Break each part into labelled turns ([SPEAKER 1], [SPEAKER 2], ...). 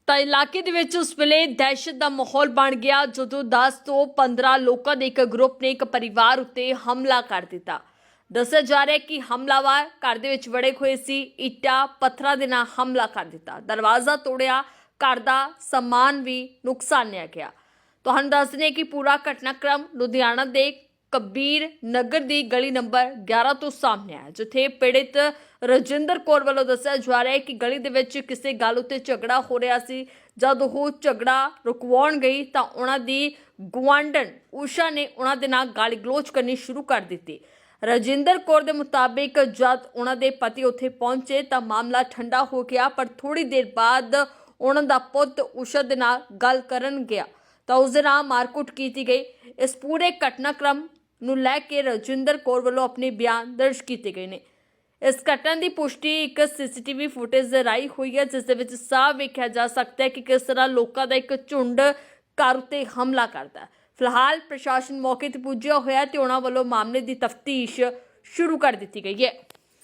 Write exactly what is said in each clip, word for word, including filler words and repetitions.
[SPEAKER 1] ਤਾਂ ਇਲਾਕੇ ਦੇ ਵਿੱਚ ਉਸ ਵੇਲੇ ਦਹਿਸ਼ਤ ਦਾ ਮਾਹੌਲ ਬਣ ਗਿਆ ਜਦੋਂ ਦਸ ਤੋਂ ਪੰਦਰਾਂ ਲੋਕਾਂ ਦੇ ਇੱਕ ਗਰੁੱਪ ਨੇ ਇੱਕ ਪਰਿਵਾਰ ਉੱਤੇ ਹਮਲਾ ਕਰ ਦਿੱਤਾ। ਦੱਸਿਆ ਜਾ ਰਿਹਾ ਹੈ ਕਿ ਹਮਲਾਵਰ ਘਰ ਦੇ ਵਿੱਚ ਵੜੇ ਹੋਏ ਸੀ। ਇੱਟਾਂ ਪੱਥਰਾਂ ਦੇ ਨਾਲ ਹਮਲਾ ਕਰ ਦਿੱਤਾ, ਦਰਵਾਜ਼ਾ ਤੋੜਿਆ, ਘਰ ਦਾ ਸਮਾਨ ਵੀ ਨੁਕਸਾਨਿਆ ਗਿਆ। ਤੁਹਾਨੂੰ ਦੱਸ ਦਿੰਦੇ ਕਿ ਪੂਰਾ ਘਟਨਾਕ੍ਰਮ ਲੁਧਿਆਣਾ ਦੇ ਕਬੀਰ ਨਗਰ ਦੀ ਗਲੀ ਨੰਬਰ ਗਿਆਰਾਂ ਤੋਂ ਸਾਹਮਣੇ ਆਇਆ, ਜਿੱਥੇ ਪੀੜਿਤ ਰਜਿੰਦਰ ਕੌਰ ਵੱਲੋਂ ਦੱਸਿਆ ਜਾ ਰਿਹਾ ਹੈ ਕਿ ਗਲੀ ਦੇ ਵਿੱਚ ਕਿਸੇ ਗੱਲ ਉੱਤੇ ਝਗੜਾ ਹੋ ਰਿਹਾ ਸੀ। ਜਦ ਉਹ ਝਗੜਾ ਰੁਕਵਾਉਣ ਗਈ ਤਾਂ ਉਹਨਾਂ ਦੀ ਗੁਆਂਢਣ ਊਸ਼ਾ ਨੇ ਉਹਨਾਂ ਦੇ ਨਾਲ ਗਾਲੀ ਗਲੋਚ ਕਰਨੀ ਸ਼ੁਰੂ ਕਰ ਦਿੱਤੀ। ਰਜਿੰਦਰ ਕੌਰ ਦੇ ਮੁਤਾਬਿਕ ਜਦ ਉਹਨਾਂ ਦੇ ਪਤੀ ਉੱਥੇ ਪਹੁੰਚੇ ਤਾਂ ਮਾਮਲਾ ਠੰਡਾ ਹੋ ਗਿਆ, ਪਰ ਥੋੜੀ ਦੇਰ ਬਾਅਦ ਉਹਨਾਂ ਦਾ ਪੁੱਤ ਊਸ਼ਾ ਦੇ ਨਾਲ ਗੱਲ ਕਰਨ ਗਿਆ ਤਾਂ ਉਸ ਦੇ ਨਾਲ ਮਾਰਕੁੱਟ ਕੀਤੀ ਗਈ। ਇਸ ਪੂਰੇ ਘਟਨਾਕ੍ਰਮ ਨੂੰ ਲੈ ਕੇ ਰਜਿੰਦਰ ਕੌਰ ਵੱਲੋਂ ਆਪਣੇ ਬਿਆਨ ਦਰਜ ਕੀਤੇ ਗਏ ਨੇ। ਇਸ ਘਟਨਾ ਦੀ ਪੁਸ਼ਟੀ ਇੱਕ ਸੀਸੀਟੀਵੀ ਫੁਟੇਜ ਰਾਹੀਂ ਹੋਈ ਹੈ, ਜਿਸ ਦੇ ਵਿੱਚ ਸਾਫ਼ ਵੇਖਿਆ ਜਾ ਸਕਦਾ ਹੈ ਕਿ ਕਿਸ ਤਰ੍ਹਾਂ ਲੋਕਾਂ ਦਾ ਇੱਕ ਝੁੰਡ ਘਰ ਉੱਤੇ ਹਮਲਾ ਕਰਦਾ ਹੈ। ਫਿਲਹਾਲ ਪ੍ਰਸ਼ਾਸਨ ਮੌਕੇ ਤੇ ਪੁੱਜਿਆ ਹੋਇਆ ਤੇ ਉਹਨਾਂ ਵੱਲੋਂ ਮਾਮਲੇ ਦੀ ਤਫਤੀਸ਼ ਸ਼ੁਰੂ ਕਰ ਦਿੱਤੀ ਗਈ ਹੈ।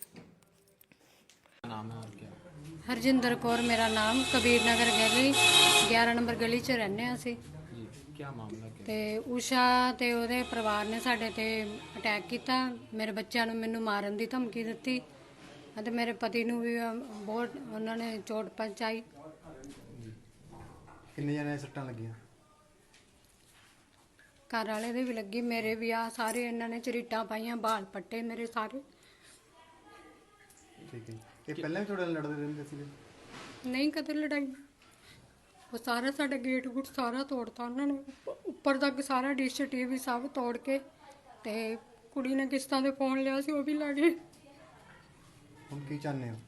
[SPEAKER 2] ਹਰਜਿੰਦਰ ਕੌਰ ਮੇਰਾ ਨਾਮ, ਕਬੀਰ ਨਗਰ ਗਲੀ ਗਿਆਰਾਂ ਨੰਬਰ ਗਲੀ 'ਚ ਰਹਿੰਦੇ ਹਾਂ ਅਸੀਂ।
[SPEAKER 3] ਕੀ ਮਾਮਲਾ ਹੈ?
[SPEAKER 2] ਤੇ ਊਸ਼ਾ ਤੇ ਉਹਦੇ ਪਰਿਵਾਰ ਨੇ ਸਾਡੇ ਤੇ ਅਟੈਕ ਕੀਤਾ। ਮੇਰੇ ਬੱਚਿਆਂ ਨੂੰ ਮੈਨੂੰ ਮਾਰਨ ਦੀ ਧਮਕੀ ਦਿੱਤੀ ਅਤੇ ਮੇਰੇ ਪਤੀ ਨੂੰ ਵੀ ਬਹੁਤ ਉਹਨਾਂ ਨੇ ਚੋਟ ਪਹੁੰਚਾਈ।
[SPEAKER 3] ਕਿੰਨੇ ਜਣੇ ਸੱਟਾਂ ਲੱਗੀਆਂ?
[SPEAKER 2] ਘਰ ਵਾਲੇ ਦੇ ਵੀ ਲੱਗੀ, ਮੇਰੇ ਵੀ ਆ ਸਾਰੇ ਇਹਨਾਂ ਨੇ ਝਰੀਟਾਂ ਪਾਈਆਂ, ਬਾਲ ਪੱਟੇ ਮੇਰੇ ਸਾਰੇ।
[SPEAKER 3] ਠੀਕ ਹੈ। ਇਹ ਪਹਿਲਾਂ ਵੀ ਤੁਹਾਡੇ ਨਾਲ ਲੜਦੇ ਰਹਿੰਦੇ ਸੀਗੇ?
[SPEAKER 2] ਨਹੀਂ ਕਦੇ ਲੜਾਈ। ਉਹ ਸਾਰਾ ਸਾਡਾ ਗੇਟ ਗੁੱਟ ਸਾਰਾ ਤੋੜਤਾ ਉਹਨਾਂ ਨੇ, ਉੱਪ- ਉੱਪਰ ਤੱਕ ਸਾਰਾ ਡਿਸ਼ ਟੀਵੀ ਸਭ ਤੋੜ ਕੇ, ਤੇ ਕੁੜੀ ਨੇ ਕਿਸ਼ਤਾਂ ਦੇ ਫੋਨ ਲਿਆ ਸੀ ਉਹ ਵੀ ਲੈ ਗਏ।
[SPEAKER 3] ਹੁਣ ਕੀ ਚਾਹੁੰਦੇ ਹੋ?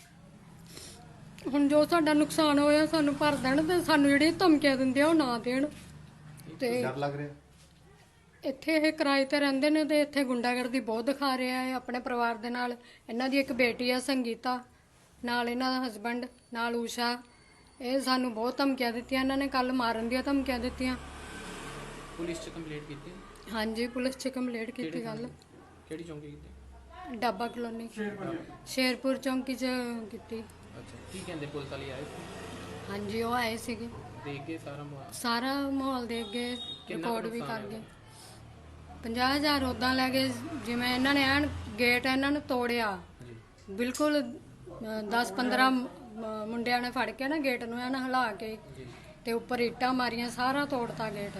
[SPEAKER 2] ਹੁਣ ਜੋ ਸਾਡਾ ਨੁਕਸਾਨ ਹੋਇਆ ਸਾਨੂੰ ਭਰ ਦੇਣ ਤੇ ਸਾਨੂੰ ਜਿਹੜੀਆਂ ਧਮਕੀਆਂ ਦਿੰਦੇ ਆ ਉਹ ਨਾ ਦੇਣ। ਤੇ
[SPEAKER 3] ਡਰ ਲੱਗ ਰਿਹਾ?
[SPEAKER 2] ਇੱਥੇ ਇਹ ਕਿਰਾਏ ਤੇ ਰਹਿੰਦੇ ਨੇ ਤੇ ਇੱਥੇ ਗੁੰਡਾਗਰਦੀ ਬਹੁਤ ਦਿਖਾ ਰਿਹਾ ਹੈ ਆਪਣੇ ਪਰਿਵਾਰ ਦੇ ਨਾਲ। ਇਹਨਾਂ ਦੀ ਇੱਕ ਬੇਟੀ ਆ ਸੰਗੀਤਾ, ਨਾਲ ਇਹਨਾਂ ਦਾ ਹਸਬੈਂਡ, ਨਾਲ ਊਸ਼ਾ। ਇਹ ਸਾਨੂੰ ਬਹੁਤ ਧਮਕੀਆਂ ਦਿੱਤੀਆਂ, ਇਹਨਾਂ ਨੇ ਕੱਲ ਮਾਰਨ ਦੀਆਂ ਧਮਕੀਆਂ ਦਿੱਤੀਆਂ।
[SPEAKER 4] ਪੁਲਿਸ ਚ ਕੰਪਲੇਂਟ ਕੀਤੀ?
[SPEAKER 2] ਹਾਂਜੀ ਪੁਲਿਸ 'ਚ ਕੰਪਲੇਂਟ ਕੀਤੀ। ਗੱਲ
[SPEAKER 4] ਕਿਹੜੀ ਚੌਂਕੀ ਕੀਤੀ?
[SPEAKER 2] ਡਾਬਾ ਕਲੋਨੀ ਸ਼ੇਰਪੁਰ ਚੌਂਕੀ 'ਚ ਕੀਤੀ।
[SPEAKER 4] ਅੱਛਾ, ਕੀ ਕਹਿੰਦੇ ਪੁਲਿਸ ਵਾਲੇ ਆਏ ਸੀ?
[SPEAKER 2] ਹਾਂਜੀ ਉਹ ਆਏ ਸੀਗੇ,
[SPEAKER 4] ਦੇਖ ਕੇ ਸਾਰਾ ਮਾਹੌਲ?
[SPEAKER 2] ਸਾਰਾ ਮਾਹੌਲ ਦੇਖ ਗਏ,
[SPEAKER 4] ਕਿੰਨਾ
[SPEAKER 2] ਰਿਕਾਰਡ ਵੀ
[SPEAKER 4] ਨੁਕਸਾਨ
[SPEAKER 2] ਕਰ ਗਏ।
[SPEAKER 4] ਹੋਇਆ?
[SPEAKER 2] ਪੰਜਾਹ ਹਜ਼ਾਰ ਉੱਦਾਂ ਲੈ ਗਏ, ਜਿਵੇਂ ਇਹਨਾਂ ਨੇ ਐਨ ਗੇਟ ਇਹਨਾਂ ਨੇ ਤੋੜਿਆ
[SPEAKER 4] ਜੀ।
[SPEAKER 2] ਬਿਲਕੁਲ। ਦਸ ਪੰਦਰਾਂ ਮੁੰਡਿਆਂ ਨੇ ਫੜ ਕੇ ਨਾ ਗੇਟ ਨੂੰ ਐਨ ਹਿਲਾ ਕੇ
[SPEAKER 4] ਜੀ।
[SPEAKER 2] ਤੇ ਉੱਪਰ ਇੱਟਾਂ ਮਾਰੀਆਂ, ਸਾਰਾ ਤੋੜਤਾ ਗੇਟ।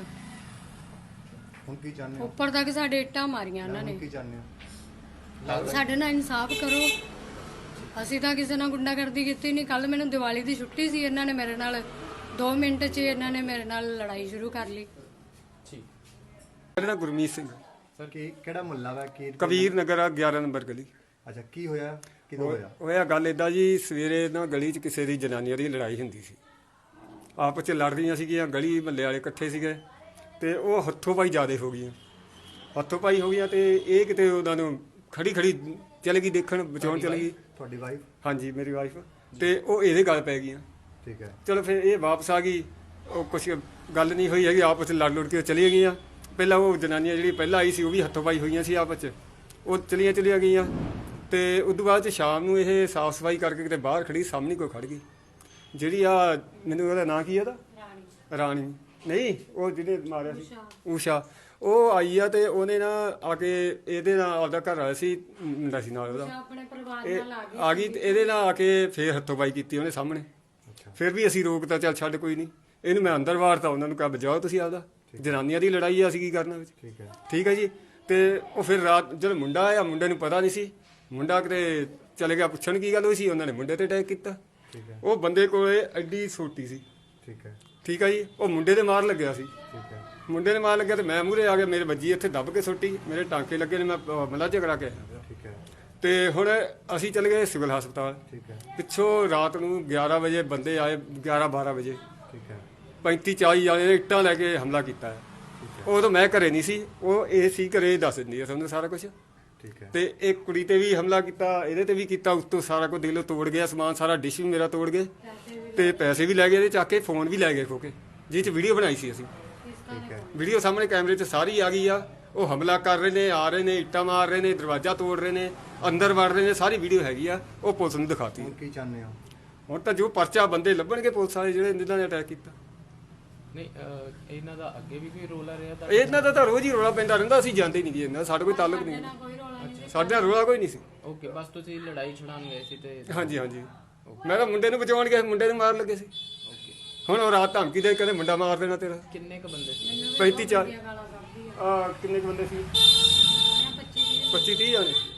[SPEAKER 3] ਹੁਣ ਕੀ ਚਾਹੁੰਦੇ ਹੋ?
[SPEAKER 2] ਉੱਪਰ ਤੱਕ ਸਾਡੇ ਇੱਟਾਂ ਮਾਰੀਆਂ ਇਹਨਾਂ
[SPEAKER 3] ਹੁਣ
[SPEAKER 2] ਨੇ।
[SPEAKER 3] ਕੀ ਚਾਹੁੰਦੇ ਹੋ?
[SPEAKER 2] ਸਾਡੇ ਨਾਲ ਇਨਸਾਫ ਕਰੋ। ਅਸੀਂ ਤਾਂ ਕਿਸੇ ਨਾਲ ਗੁੰਡਾਗਰਦੀ ਕੀਤੀ ਨਹੀਂ। ਕੱਲ ਮੈਨੂੰ ਦੀਵਾਲੀ ਦੀ ਛੁੱਟੀ ਸੀ, ਇਹਨਾਂ ਨੇ ਮੇਰੇ ਨਾਲ ਦੋ ਮਿੰਟ 'ਚ ਇਹਨਾਂ ਨੇ ਮੇਰੇ ਨਾਲ ਲੜਾਈ ਸ਼ੁਰੂ ਕਰ ਲਈ।
[SPEAKER 4] ਠੀਕ।
[SPEAKER 5] ਮੇਰਾ ਨਾਮ ਗੁਰਮੀਤ ਸਿੰਘ,
[SPEAKER 3] ਸਰ ਕੀ ਕਿਹੜਾ ਮੁਹੱਲਾ ਵਾ? ਕੀ
[SPEAKER 5] ਕਬੀਰ ਨਗਰ ਆ ਗਿਆਰਾਂ ਨੰਬਰ ਗਲੀ।
[SPEAKER 3] ਅੱਛਾ, ਕੀ ਹੋਇਆ? ਕਿਦੋਂ ਹੋਇਆ?
[SPEAKER 5] ਹੋਇਆ ਗੱਲ ਇਦਾਂ ਜੀ, ਸਵੇਰੇ ਨਾ ਗਲੀ 'ਚ ਕਿਸੇ ਦੀ ਜਨਾਨੀਆਂ ਦੀ ਲੜਾਈ ਹੁੰਦੀ ਸੀ, ਆਪਸ 'ਚ ਲੜ ਰਹੀਆਂ ਸੀਗੀਆਂ। ਗਲੀ ਮੱਲੇ ਵਾਲੇ ਇਕੱਠੇ ਸੀਗੇ ਤੇ ਉਹ ਹੱਥੋਂ ਪਾਈ ਜ਼ਿਆਦਾ ਹੋ ਗਈਆਂ, ਹੱਥੋਂ ਪਾਈ ਹੋ ਗਈਆਂ ਤੇ ਇਹ ਕਿਤੇ ਉਹਨਾਂ ਨੂੰ ਖੜੀ ਖੜੀ ਚਲ ਗਈ, ਦੇਖਣ ਬਚਾਉਣ ਚਲ ਗਈ।
[SPEAKER 3] ਤੁਹਾਡੀ ਵਾਈਫ?
[SPEAKER 5] ਹਾਂਜੀ ਮੇਰੀ ਵਾਈਫ। ਤੇ ਉਹ ਇਹਦੇ ਗੱਲ ਪੈ ਗਈਆਂ।
[SPEAKER 3] ਠੀਕ ਹੈ।
[SPEAKER 5] ਚਲੋ ਫਿਰ ਇਹ ਵਾਪਸ ਆ ਗਈ, ਉਹ ਕੁਛ ਗੱਲ ਨਹੀਂ ਹੋਈ ਹੈਗੀ, ਆਪਸ 'ਚ ਲੜ ਲੁੜ ਕੇ ਚਲੀਆਂ ਗਈਆਂ। ਪਹਿਲਾਂ ਉਹ ਜਨਾਨੀਆਂ ਜਿਹੜੀ ਪਹਿਲਾਂ ਆਈ ਸੀ ਉਹ ਵੀ ਹੱਥੋਂ ਪਾਈ ਹੋਈਆਂ ਸੀ ਆਪਸ 'ਚ, ਉਹ ਚਲੀਆਂ ਚਲੀਆਂ ਗਈਆਂ। ਤੇ ਉਸ ਤੋਂ ਬਾਅਦ 'ਚ ਸ਼ਾਮ ਨੂੰ ਇਹ ਸਾਫ਼ ਸਫਾਈ ਕਰਕੇ ਕਿਤੇ ਬਾਹਰ ਖੜੀ, ਸਾਹਮਣੇ ਕੋਈ ਖੜ ਗਈ ਜਿਹੜੀ ਆ, ਮੈਨੂੰ ਉਹਦਾ ਨਾਂ ਕੀ ਆ ਉਹਦਾ? ਰਾਣੀ ਨਹੀਂ, ਉਹ ਜਿਹਨੇ ਮਾਰਿਆ ਸੀ ਊਸ਼ਾ। ਉਹ ਆਈ ਆ ਤੇ ਉਹਨੇ ਨਾ ਆ ਕੇ ਇਹਦੇ ਨਾਲ ਆਪਦਾ ਘਰ ਵਾਲਾ ਸੀ ਮੁੰਡਾ ਸੀ ਨਾਲ ਉਹਦਾ,
[SPEAKER 2] ਆਪਣੇ ਪਰਿਵਾਰ
[SPEAKER 5] ਇਹ
[SPEAKER 2] ਨਾਲ ਆ ਗਏ।
[SPEAKER 5] ਆ ਗਈ ਤੇ ਇਹਦੇ ਨਾਲ ਆ ਕੇ ਫੇਰ ਹੱਥੋਂ ਪਾਈ ਕੀਤੀ ਉਹਨੇ ਸਾਹਮਣੇ। ਫਿਰ ਵੀ ਅਸੀਂ ਰੋਕਤਾ, ਚੱਲ ਛੱਡ ਕੋਈ ਨਹੀਂ, ਇਹਨੂੰ ਮੈਂ ਅੰਦਰ ਵਾਰਤਾ। ਉਹਨਾਂ ਨੂੰ ਕਿਹਾ ਬਜਾਓ ਤੁਸੀਂ ਆਪਦਾ, ਜਨਾਨੀਆਂ ਦੀ ਲੜਾਈ ਆ, ਅਸੀਂ ਕੀ ਕਰਨਾ ਵਿੱਚ।
[SPEAKER 3] ਠੀਕ ਹੈ।
[SPEAKER 5] ਠੀਕ ਹੈ ਜੀ। ਤੇ ਉਹ ਫਿਰ ਰਾਤ ਜਦੋਂ ਮੁੰਡਾ ਆਇਆ, ਮੁੰਡੇ ਨੂੰ ਪਤਾ ਨਹੀਂ ਸੀ, ਮੁੰਡਾ ਕਿਤੇ ਚਲੇ ਗਿਆ ਪੁੱਛਣ ਕੀ ਗੱਲ ਹੋਈ ਸੀ, ਉਹਨਾਂ ਨੇ ਮੁੰਡੇ ਤੇ ਅਟੈਕ ਕੀਤਾ।
[SPEAKER 3] ਠੀਕ ਹੈ।
[SPEAKER 5] ਉਹ ਬੰਦੇ ਕੋਲੇ ਐਡੀ ਛੋਟੀ ਸੀ।
[SPEAKER 3] ਠੀਕ ਹੈ।
[SPEAKER 5] ਠੀਕ ਹੈ ਜੀ। ਉਹ ਮੁੰਡੇ ਦੇ ਮਾਰ ਲੱਗਿਆ ਸੀ,
[SPEAKER 3] ਠੀਕ ਹੈ।
[SPEAKER 5] ਮੁੰਡੇ ਨੇ ਮਾਰ ਲੱਗਿਆ ਤੇ ਮੈਂ ਮੂਹਰੇ ਆ ਗਿਆ, ਮੇਰੇ ਵੱਜੀ ਇੱਥੇ ਦੱਬ ਕੇ ਸੁੱਟੀ, ਮੇਰੇ ਟਾਂਕੇ ਲੱਗੇ ਨੇ, ਮੈਂ ਮਲਾ ਝਗੜਾ ਕੇ ਆਇਆ।
[SPEAKER 3] ਠੀਕ ਹੈ।
[SPEAKER 5] ਤੇ ਹੁਣ ਅਸੀਂ ਚਲੇ ਗਏ ਸਿਵਲ ਹਸਪਤਾਲ।
[SPEAKER 3] ਠੀਕ ਹੈ।
[SPEAKER 5] ਪਿੱਛੋਂ ਰਾਤ ਨੂੰ ਗਿਆਰਾਂ ਵਜੇ ਬੰਦੇ ਆਏ, ਗਿਆਰਾਂ ਬਾਰਾਂ ਵਜੇ
[SPEAKER 3] ਠੀਕ ਹੈ।
[SPEAKER 5] ਪੈਂਤੀ ਚਾਲੀ ਜਾਣੇ ਨੇ ਇੱਟਾਂ ਲੈ ਕੇ ਹਮਲਾ ਕੀਤਾ ਹੈ। ਉਦੋਂ ਮੈਂ ਘਰੇ ਨਹੀਂ ਸੀ, ਉਹ ਇਹ ਸੀ ਘਰੇ, ਦੱਸ ਦਿੰਦੀ ਹੈ ਤੁਹਾਨੂੰ ਸਾਰਾ ਕੁਝ।
[SPEAKER 3] ਠੀਕ ਹੈ।
[SPEAKER 5] ਤੇ ਇੱਕ ਕੁੜੀ ਤੇ ਵੀ ਹਮਲਾ ਕੀਤਾ, ਇਹਦੇ ਤੇ ਵੀ ਕੀਤਾ, ਉੱਤੋਂ ਸਾਰਾ ਕੁਝ ਦੇਖ ਲਓ ਤੋੜ ਗਿਆ ਸਮਾਨ ਸਾਰਾ, ਡਿਸ਼ ਵੀ ਮੇਰਾ ਤੋੜ ਗਏ ਤੇ ਪੈਸੇ ਵੀ ਲੈ ਗਏ ਇਹਦੇ ਚੱਕ ਕੇ, ਫੋਨ ਵੀ ਲੈ ਗਏ ਖੋ ਕੇ, ਜਿਹ 'ਚ ਵੀਡੀਓ ਬਣਾਈ ਸੀ ਅਸੀਂ।
[SPEAKER 3] ਠੀਕ ਹੈ।
[SPEAKER 5] ਵੀਡੀਓ ਸਾਹਮਣੇ ਕੈਮਰੇ 'ਚ ਸਾਰੀ ਆ ਗਈ ਆ। ਉਹ ਹਮਲਾ ਕਰ ਰਹੇ ਨੇ, ਆ ਰਹੇ ਨੇ, ਇੱਟਾਂ ਮਾਰ ਰਹੇ ਨੇ, ਦਰਵਾਜ਼ਾ ਤੋੜ ਰਹੇ ਨੇ, ਅੰਦਰ ਵੜ ਰਹੇ ਨੇ, ਸਾਰੀ ਵੀਡੀਓ ਹੈਗੀ ਆ, ਉਹ ਪੁਲਿਸ ਨੂੰ ਦਿਖਾਤੀ।
[SPEAKER 3] ਹੁਣ ਕੀ ਚਾਹੁੰਦੇ ਹੋ?
[SPEAKER 5] ਹੁਣ ਤਾਂ ਜੋ ਪਰਚਾ ਬੰਦੇ ਲੱਭਣਗੇ ਪੁਲਿਸ ਵਾਲੇ ਜਿਹੜੇ ਜਿਨ੍ਹਾਂ ਨੇ ਅਟੈਕ ਕੀਤਾ।
[SPEAKER 4] ਨਹੀਂ ਅਹ, ਇਹਨਾਂ ਦਾ ਅੱਗੇ ਵੀ ਕੋਈ ਰੋਲਾ ਰਿਹਾ ਤਾਂ
[SPEAKER 5] ਇਹਨਾਂ ਦਾ ਤਾਂ ਰੋਜ਼ ਹੀ ਰੌਲਾ ਪੈਂਦਾ ਰਹਿੰਦਾ, ਅਸੀਂ ਜਾਂਦੇ ਨਹੀਂ ਜੀ, ਇਹਨਾਂ ਦਾ ਸਾਡਾ ਕੋਈ ਤਾਲੁਕ ਨਹੀਂ, ਸਾਡੇ ਨਾਲ ਰੌਲਾ ਕੋਈ ਨਹੀਂ ਸੀ।
[SPEAKER 4] ਓਕੇ, ਬਸ ਤੁਸੀਂ ਲੜਾਈ ਛਡਾਉਣ ਗਏ ਸੀ ਤੇ
[SPEAKER 5] ਹਾਂਜੀ ਹਾਂਜੀ, ਮੈਂ ਤਾਂ ਮੁੰਡੇ ਨੂੰ ਬਚਾਉਣ ਗਿਆ, ਮੁੰਡੇ ਨੂੰ ਮਾਰ ਲੱਗੇ ਸੀ।
[SPEAKER 4] ਓਕੇ,
[SPEAKER 5] ਹੁਣ ਉਹ ਰਾਤ ਧਮਕੀ ਦੇ ਕਹਿੰਦੇ ਮੁੰਡਾ ਮਾਰ ਦੇਣਾ ਤੇਰਾ।
[SPEAKER 4] ਕਿੰਨੇ ਕ ਬੰਦੇ ਸੀ?
[SPEAKER 5] ਪੈਂਤੀ ਚਾਰ ਆ ਕਿੰਨੇ ਕੁ ਬੰਦੇ ਸੀ? ਪੱਚੀ ਤੀਹ ਜਾਣੇ।